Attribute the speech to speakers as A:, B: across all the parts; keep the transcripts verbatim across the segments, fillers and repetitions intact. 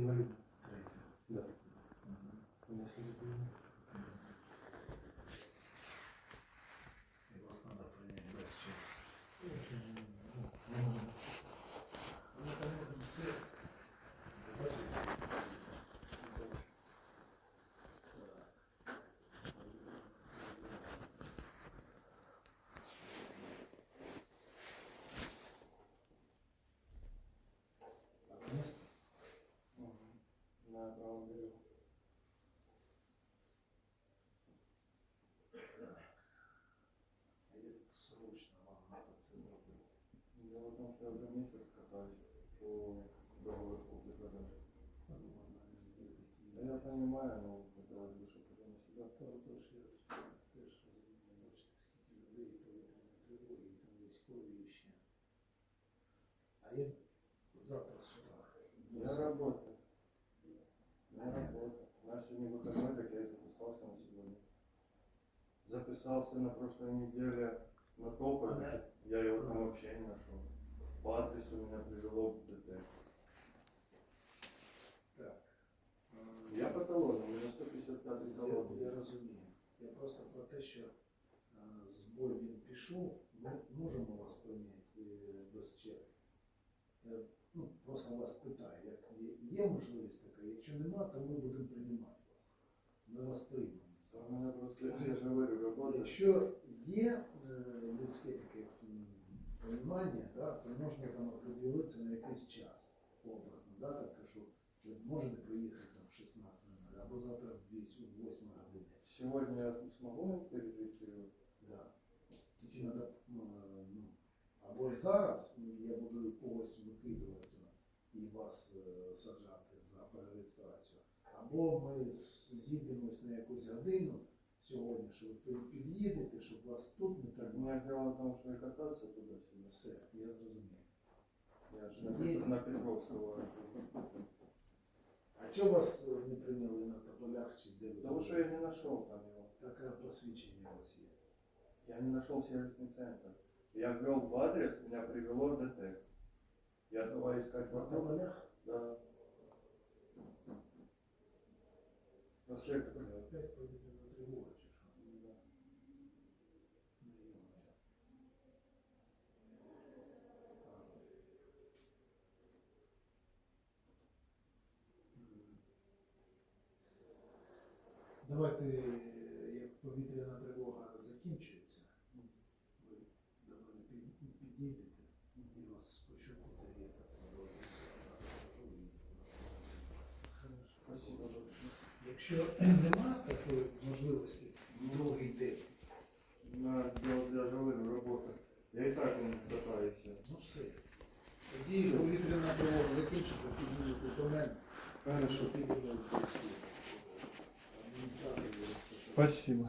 A: інвалідна? Третя.
B: Да.
A: Мгм. І вас треба прийняти без чого. Ну, там все. Бачите? Место?
B: На правому берегу.
A: Як срочно вам треба це зробити?
B: Дело в том, что я уже месяц катаюсь по договору купли-продажи.
A: Ну, можна їздити.
B: Да я понимаю, но хотелось бы, чтобы это не сюда.
A: Та отож я теж розумію, бачите, скільки людей повітряної тривоги, і там військові і ще. А як завтра з утра?
B: Я работаю. Я работаю. У нас сегодня выходной, так я и записался на сегодня. Записался на прошлой неделе на топове.
A: Ага.
B: Я его там вообще не нашел. По адресу меня привело в ДТ.
A: Так.
B: Я по талону, у меня сто пятьдесят пятый
A: Я,
B: талон.
A: я розумію. Я просто про те, що а, збой він пішов, ми можемо вас прийняти е, без черги. Я ну, просто вас питаю, як є, є можливість така, якщо нема, то ми будемо приймати вас. Ми вас приймемо.
B: У меня просто, я же говорю, работа.
A: Якщо є е, людське таке м, розуміння, да, то можна там определитися на якийсь час, образно, да, так, що ви можете приїхати там в шістнадцять нуль або завтра в восьмій годині.
B: Сегодня я смогу перерегистрировать?
A: Да. Тільки треба, ну, або зараз я буду когось викидувати і вас е, саджати за перереєстрацію, або ми з- зійдемось на якусь годину сьогодні, що ви під'їдете, щоб вас тут не
B: У
A: тримали.
B: меня дело в том, что я кататься туда-сюда.
A: Все, я зрозумів.
B: Я же на, Пет- на Петровского.
A: А чого вас е, не прийняли на тополях чи де ви?
B: Потому что я не нашел там его.
A: Таке посвідчення у вас є.
B: Я не нашел сервисный центр. Я ввел в адрес, меня привело в ДТ. Я давай искать
A: На
B: вокруг.
A: тополях?
B: Да. Проспект такой.
A: Опять повітряна тривога чи що?
B: Да.
A: Ну, йо-моє. Давайте, як повітряна тривога закінчується, ви до мене під- підійдете і вас пощупати і так посажу і
B: Хорошо. Спасибо большое.
A: якщо нема такої можливості в другий день,
B: На дело для говорю, работа. Я и так он катаюсь.
A: ну все. Тоді повітряна тривога закінчиться, підійдете до мене.
B: Хорошо.
A: Підемо в адміністрацію.
B: Спасибо.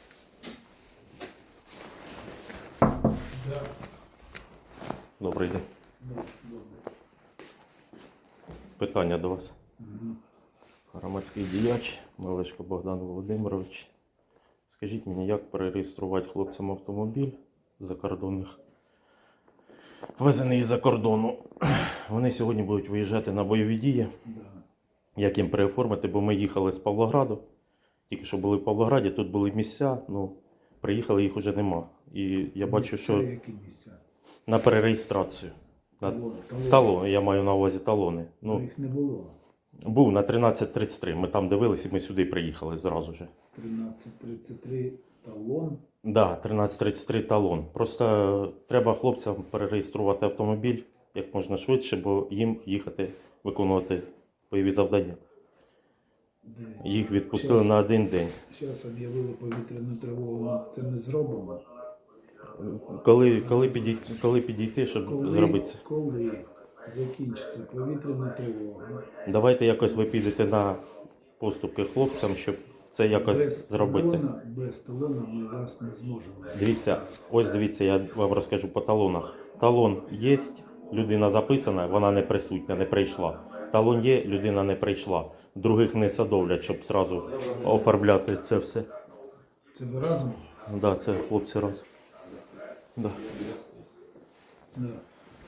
A: Да.
C: Добрий день.
A: Ну, добре.
C: Питання до вас.
A: Мгм.
C: Громадський діяч Мелешко Богдан Володимирович. Скажіть мені, як перереєструвати хлопцям автомобіль закордонних, ввезений із-за кордону. Вони сьогодні будуть виїжджати на бойові дії.
A: Да.
C: Як їм переоформити, бо ми їхали з Павлограду. Тільки що були в Павлограді, тут були місця, ну, приїхали, їх вже нема. І я бачу,
A: Місця,
C: що
A: які місця?
C: на перереєстрацію. На
A: Талони. Талони.
C: талони, я маю на увазі талони.
A: Ну,
C: Ну,
A: їх не було.
C: був на тринадцять тридцять три. Ми там дивилися і ми сюди приїхали зразу ж.
A: тринадцять тридцять три талон.
C: Так, да, тринадцять тридцять три талон. Просто треба хлопцям перереєструвати автомобіль як можна швидше, бо їм їхати виконувати бойові завдання.
A: Дивіться.
C: Їх відпустили
A: Щас-
C: на один день.
A: Зараз об'явили повітряну тривогу. Це не зробимо.
C: Коли, коли, підійти, коли підійти, щоб
A: Коли,
C: зробити це?
A: коли закінчиться повітряна тривога,
C: Давайте якось ви підете на поступки хлопцям, щоб це якось
A: без
C: зробити.
A: талона, без талона ми вас не зможемо.
C: Дивіться, ось дивіться, я вам розкажу по талонах. Талон є, людина записана, вона не присутня, не прийшла. Талон є, людина не прийшла. Других не садовлять, щоб зразу оформляти це все.
A: Це ви разом?
C: Так, да, це хлопці раз. Да.
A: Да.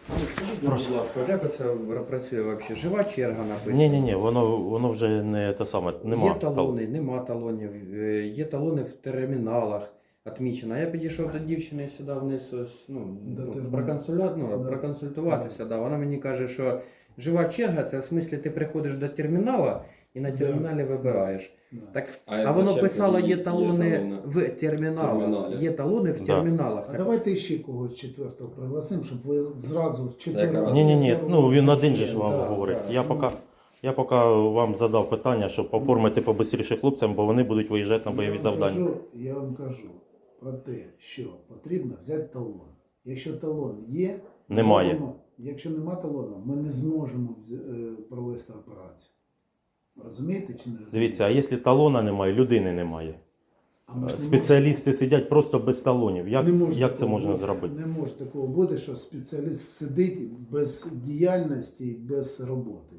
B: Скажіть,
C: Просто-
B: будь ласка, як це працює взагалі? Жива черга написана?
C: Ні, ні, ні, воно, воно вже не те саме. Нема.
B: Є талони, нема талонів, е, є талони в терміналах відмічено. Я підійшов до дівчини сюди вниз, ось, ну,
A: До
B: ну,
A: терміналу.
B: проконсуля... ну,
A: Да.
B: проконсультуватися. Да. Вона мені каже, що жива черга, це в смислі ти приходиш до термінала і на
A: Да.
B: терміналі вибираєш.
A: Да.
B: Так,
D: А,
B: а воно
D: зачем
B: писало,
D: тоді
B: є талони
D: талони?
B: в терміналах.
D: Терміналі.
B: Є талони в
C: Да.
B: терміналах.
A: А
B: Так,
A: давайте ще когось четвертого пригласимо, щоб ви зразу в четвертого.
D: Якраз.
C: Ні, ні, ні. Ну він один же ж
B: Да,
C: вам
B: да,
C: говорить.
B: да.
C: Я поки, я поки вам задав питання, щоб оформити побистріше хлопцям, бо вони будуть виїжджати на бойові
A: Я вам
C: завдання.
A: кажу, я вам кажу про те, що потрібно взяти талон. Якщо талон є,
C: Немає.
A: робимо. Якщо нема талону, ми не зможемо вз- е, провести операцію. Розумієте чи не розумієте?
C: Дивіться, а якщо талона немає, людини немає.
A: А ми ж не
C: Спеціалісти сидять просто без талонів. Як,
A: Не може
C: як це
A: такого
C: можна
A: бути.
C: зробити?
A: Не може такого бути, що спеціаліст сидить без діяльності, без роботи.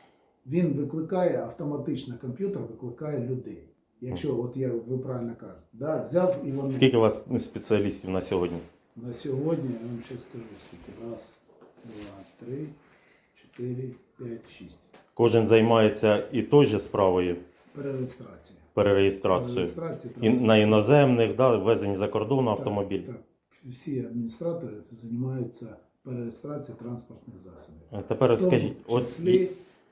A: Він викликає автоматично, комп'ютер викликає людей. Якщо, от я, ви правильно кажете, да, взяв і вони
C: Скільки у вас спеціалістів на сьогодні?
A: на сьогодні, я вам ще скажу, скільки. Раз, два, три, чотири, п'ять, шість.
C: Кожен займається і той же справою
A: Перереєстрація.
C: перереєстрацією.
A: Перереєстрація,
C: І на іноземних, да, ввезень за кордону автомобіль.
A: Так, так. Всі адміністратори займаються перереєстрацією транспортних засобів.
C: А Тепер
A: В тому
C: скажіть, от
A: числі,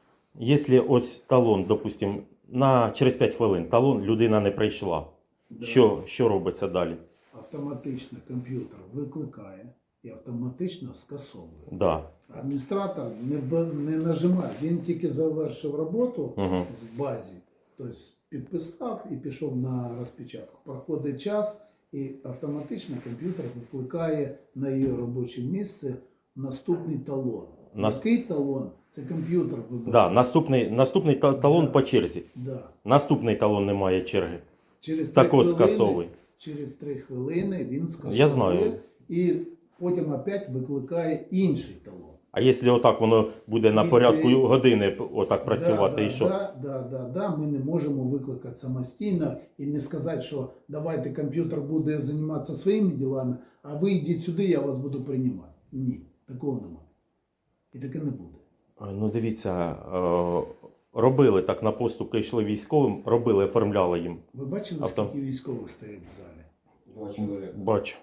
C: якщо ось талон, допустимо, на через п'ять хвилин талон людина не прийшла,
A: да,
C: що, що робиться далі?
A: автоматично комп'ютер викликає і автоматично скасовує.
C: Да.
A: Адміністратор не, б- не нажимає, він тільки завершив роботу
C: Угу.
A: в базі, тобто підписав і пішов на розпечатку. Проходить час і автоматично комп'ютер викликає на її робоче місце наступний талон.
C: Нас-
A: Який талон? Це комп'ютер вибирає.
C: Да, наступний, наступний та- талон
A: Да.
C: по черзі.
A: Да.
C: Наступний талон не має черги.
A: Через три
C: Також
A: хвилини-
C: скасовуй.
A: Через три хвилини він скасовує
C: Я знаю.
A: і потім опять викликає інший талон.
C: А якщо отак воно буде на
A: І
C: порядку
A: ви-
C: години отак працювати,
A: да,
C: і
A: да,
C: що?
A: Да, да, да, да, ми не можемо викликати самостійно і не сказати, що давайте комп'ютер буде займатися своїми ділами, а ви йдіть сюди, я вас буду приймати. Ні, такого немає. І таке не буде.
C: А, Ну дивіться, е, робили так на поступки, йшли військовим, робили, оформляли їм.
A: Ви бачили,
C: Авто.
A: скільки військових стоять в залі?
D: Два чоловіка.
C: Бачу.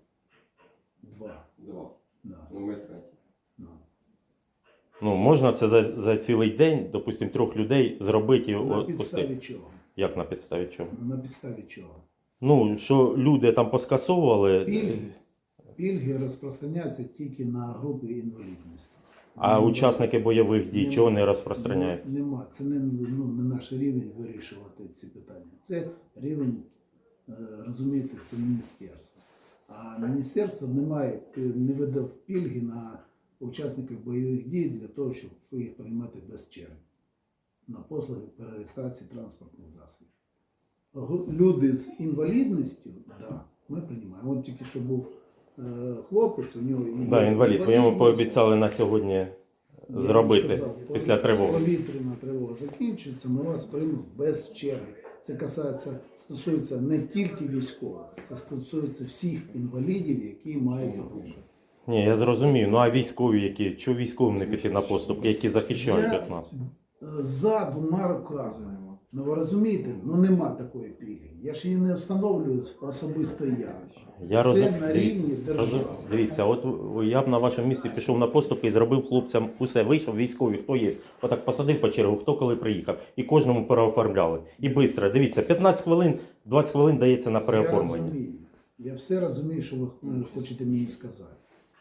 A: Два.
D: Два.
A: Да,
D: Ну, ми третій.
A: да.
C: Ну, можна це за, за цілий день, допустимо, трьох людей зробити і
A: На
C: от
A: підставі
C: пустити.
A: чого?
C: Як на підставі чого?
A: На підставі чого?
C: Ну, що люди там поскасовували,
A: Пільги. Пільги розпространяються тільки на групи інвалідності.
C: а
A: Ну,
C: учасники бойових дій
A: нема.
C: чого не розпространяють?
A: Нема. Нема. Це не, ну, не наш рівень вирішувати ці питання. Це рівень, е, розумієте, це міністерство. А міністерство не має, не видав пільги на учасників бойових дій для того, щоб їх приймати без черги. На послуги перереєстрації транспортних засобів. Гу- Люди з інвалідністю, да, ми приймаємо. От тільки що був е, хлопець, у нього є
C: Да, інвалід, ви йому
A: інвалідність.
C: пообіцяли на сьогодні
A: Я
C: зробити
A: вам сказав,
C: після
A: пові-
C: тривоги.
A: Повітряна тривога закінчується, ми вас приймуть без черги. Це касається, стосується не тільки військових, це стосується всіх інвалідів, які мають групи.
C: Ні, я зрозумію. Ну а військові, які, чого військовим не піти на поступки, які захищають
A: Я-
C: від нас?
A: Е, За двома руками. Ну ви розумієте, ну нема такої пільги. Я ж її не встановлюю особисто я.
C: Я
A: Це
C: розумію.
A: на
C: Дивіться,
A: рівні держави.
C: розум- дивіться, от я б на вашому місці пішов на поступки і зробив хлопцям усе. Вийшов військові, хто є. Отак посадив по чергу, хто коли приїхав. І кожному переоформляли. І швидко. Дивіться, п'ятнадцять хвилин, двадцять хвилин дається на
A: Я
C: переоформлення.
A: розумію. Я все розумію, що ви е, хочете мені сказати.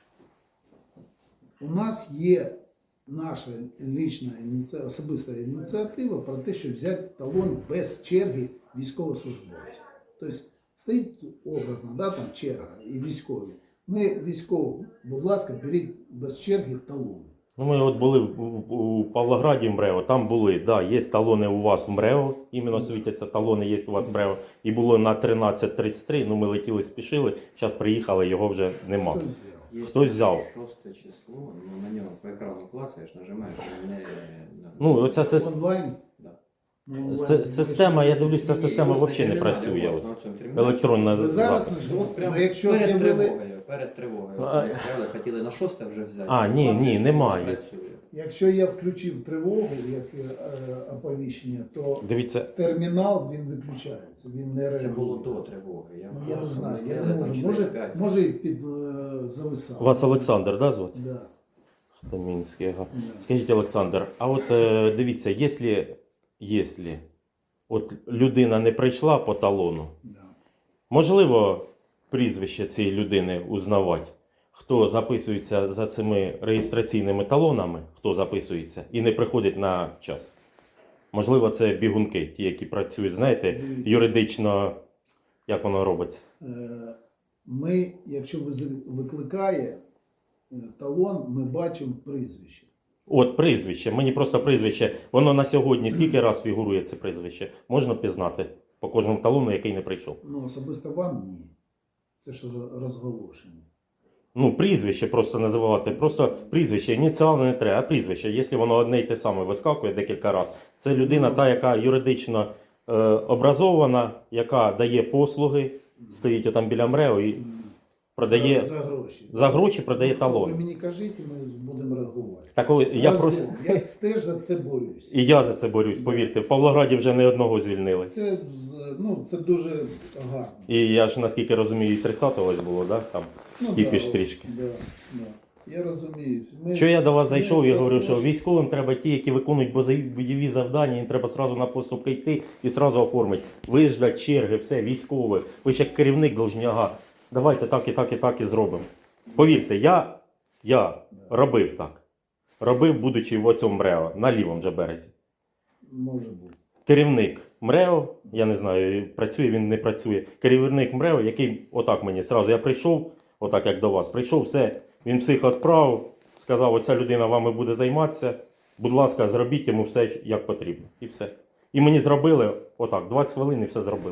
A: У нас є наша лічна ініці- особиста ініціатива про те, щоб взяти талон без черги військовослужбовців. Тобто стоїть образно, да, там черга і військові. Ми військові, будь ласка, беріть без черги талони.
C: Ну, ми от були в, в- у Павлограді в МРЕО, там були, да, є талони у вас в МРЕО, іменно світяться талони, є у вас в МРЕО. І було на тринадцять тридцять три, ну ми летіли, спішили, зараз приїхали, його вже нема.
A: Хто взяв?
D: Есть
C: Хтось взяв.
D: шосте число, ну на нього по екрану клацаєш, нажимаєш, і не...
C: Ну, оця сес...
A: Онлайн?
D: Да.
A: Ну,
C: С-
A: ви-
C: система, я дивлюсь, ця
D: Ні,
C: система
D: ось на
C: взагалі не
D: терміналі,
C: працює.
D: ось
C: От.
D: на цьому терміналі.
C: Електронна
A: Ви зараз
C: запис.
A: не ж-
D: От прямо
A: ну, якщо
D: перед
A: об'явили,
D: тривогою, перед тривогою.
C: А,
D: Ми стояли, хотіли на шосте вже взяти.
C: А, ні,
D: Бачиш,
C: ні,
D: що
C: немає.
D: вона працює.
A: якщо я включив тривогу, як е, оповіщення, то
C: Дивіться,
A: термінал він виключається, він не реагує.
D: Це було до тривоги. Я,
A: Ну, я не
D: просто
A: знаю, я
D: стояли
A: не
D: там
A: можу.
D: чотири
A: Може,
D: п'ять.
A: може і під е, зависав.
C: вас Олександр, да, звати?
A: Да,
C: Домінський, ага.
A: да.
C: Скажіть, Олександр, а от е, дивіться, якщо, якщо от людина не прийшла по талону,
A: Да.
C: можливо прізвище цієї людини узнавати, хто записується за цими реєстраційними талонами, хто записується і не приходить на час. Можливо, це бігунки, ті, які працюють, знаєте,
A: Дивіться.
C: юридично, як воно робиться.
A: Е, Ми, якщо виз- викликає е, талон, ми бачимо прізвище.
C: От прізвище, мені просто прізвище, воно на сьогодні скільки раз фігурує це прізвище? Можна пізнати по кожному талону, який не прийшов.
A: Ну, особисто вам ні. Це ж ро- розголошення.
C: Ну, прізвище просто називати, просто прізвище, ініціали не треба, а прізвище. Якщо воно одне й те саме вискакує декілька разів, це людина та, яка юридично е, образована, яка дає послуги, стоїть отам біля МРЕО і продає,
A: за, за гроші.
C: за гроші продає
A: Ви
C: талон.
A: мені кажіть, і ми будемо реагувати.
C: Такого, я
A: Разом.
C: просто,
A: я теж за це борюсь.
C: і я за це борюсь, повірте, в Павлограді вже не одного звільнили.
A: Це, з- ну, це дуже гарно.
C: І я ж, наскільки розумію, і тридцятого ось було, да? Там
A: Ну,
C: кіпіш
A: да,
C: трішки.
A: Да, да. Я розумію. Ми-
C: Що я до вас зайшов і
A: ми
C: говорив, що
A: також-
C: військовим треба ті, які виконують бозові- бойові завдання, їм треба сразу на поступки йти і сразу оформити. Виждать черги, все, військових. Ви ж як керівник должні, ага, давайте так і так і так і зробимо. Повірте, я, я робив так. Робив, будучи в оцьому МРЕО, на лівому же березі.
A: Може бути.
C: Керівник МРЕО, я не знаю, працює він, не працює. Керівник МРЕО, який отак мені сразу, я прийшов, отак як до вас, прийшов, все, він всіх відправив, сказав, оця людина вами буде займатися, будь ласка, зробіть йому все, як потрібно. І все. І мені зробили отак, двадцять хвилин і все зробили.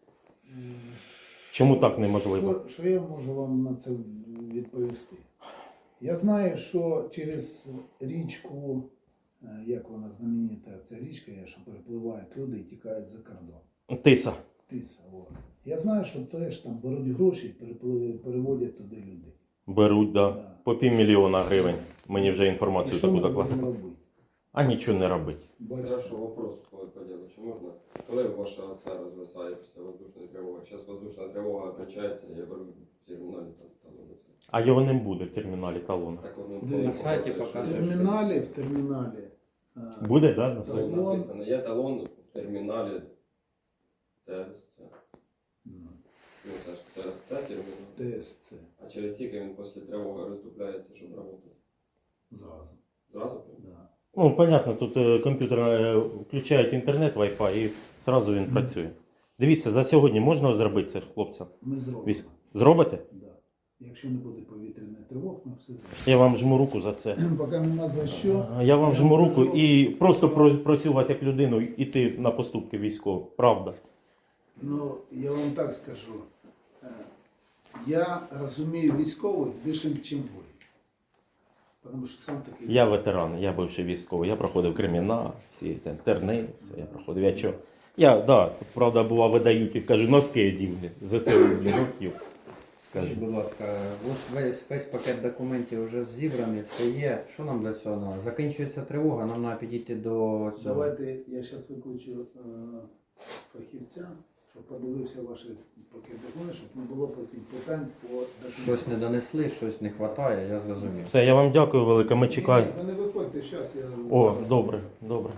C: Чому так неможливо?
A: Що, що я можу вам на це відповісти? Я знаю, що через річку, е, як вона знаменита, ця річка, що перепливають люди і тікають за кордон.
C: Тиса.
A: Тиса. О. Я знаю, що теж там беруть гроші і перепли- переводять туди людей.
C: Беруть, да.
A: Да.
C: По півмільйона гривень. Мені вже
A: І
C: інформацію
A: що
C: таку
A: ми
C: докладали.
A: будемо робити?
C: А нічого не робить.
A: Бачите?
E: Хорошо, вопрос по, по делу. Чи можна? Коли ваша ця розвисає після воздушної тривоги? Зараз воздушна тривога кончається, я беру в терміналі там талони.
C: А його не буде в терміналі талону.
E: Так воно
A: Дивіться.
D: На сайті
A: В
D: показує,
A: терміналі, в терміналі. е,
C: Буде, да, на сайті?
E: Там написано, є талон в терміналі ТСЦ.
A: ну,
E: Ну, це ж ТСЦ термінал.
A: ТСЦ.
E: А через скільки він після тривоги роздупляється, щоб працювати?
A: Зразу.
E: Зразу?
A: Да.
C: Ну, понятно, тут е, комп'ютер е, включають інтернет, Wi-Fi і одразу він працює. Дивіться, за сьогодні можна зробити це хлопцям?
A: Ми зробимо.
C: Військ. Зробите?
A: Да. Якщо не буде повітряної тривоги, ми все зробимо.
C: Я вам жму руку за це.
A: Поки нема за що.
C: Я вам жму руку і просто про- просю вас як людину йти на поступки військових. Правда.
A: Ну, я вам так скажу. Е, Я розумію військових більше, ніж ви. Тому що сам такий.
C: Я ветеран, я бивший військовий, я проходив кримінал, всі те- терни, все я проходив. Я чого? Я, да, правда, була видають і кажу, носки одів, ЗСУ, блін, років. Скажу.
D: Скажіть, будь ласка, ось весь, весь пакет документів вже зібраний, це є. Що нам для цього треба? Закінчується тривога, нам треба підійти до цього.
A: Давайте я зараз викличу е, фахівця, щоб подивився ваші пакет документів, щоб не було потім питань по документам.
D: Щось не донесли, щось не вистачає, я зрозумів.
C: Все, я вам дякую велике, ми
A: Ні,
C: чекаємо.
A: ні, ви не виходьте, зараз я.
C: О,
A: зараз-
C: добре, добре.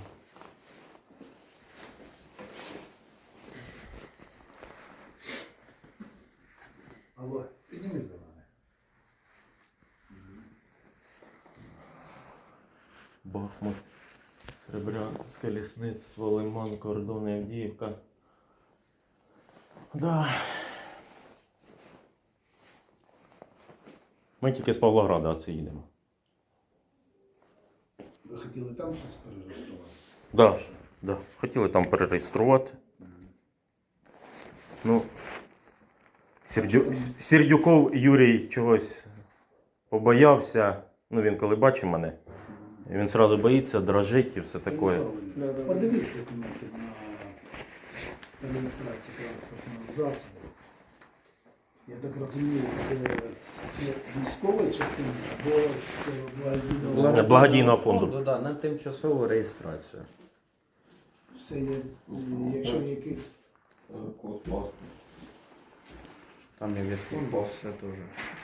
A: Алло, піднімись до мене.
C: Бахмут, Сребрянське лісництво, Лиман, Кордон, Авдіївка. Да. Ми тільки з Павлограда оце їдемо.
A: Ви хотіли там щось перереєструвати?
C: Да, да. Хотіли там перереєструвати. Ну, Сердю... Сердюков Юрій чогось побоявся. Ну, він коли бачив мене, І він одразу боїться, дрожить і все таке.
A: Станіслав, подивись документи на реєстрацію транспортного засобу. Я так розумію, це з військової частини або з благодійного.
C: Благодійного фонду.
D: Да, на тимчасову реєстрацію.
A: Все є, якщо який.
E: Код паспорт.
D: Там і від фонду все теж.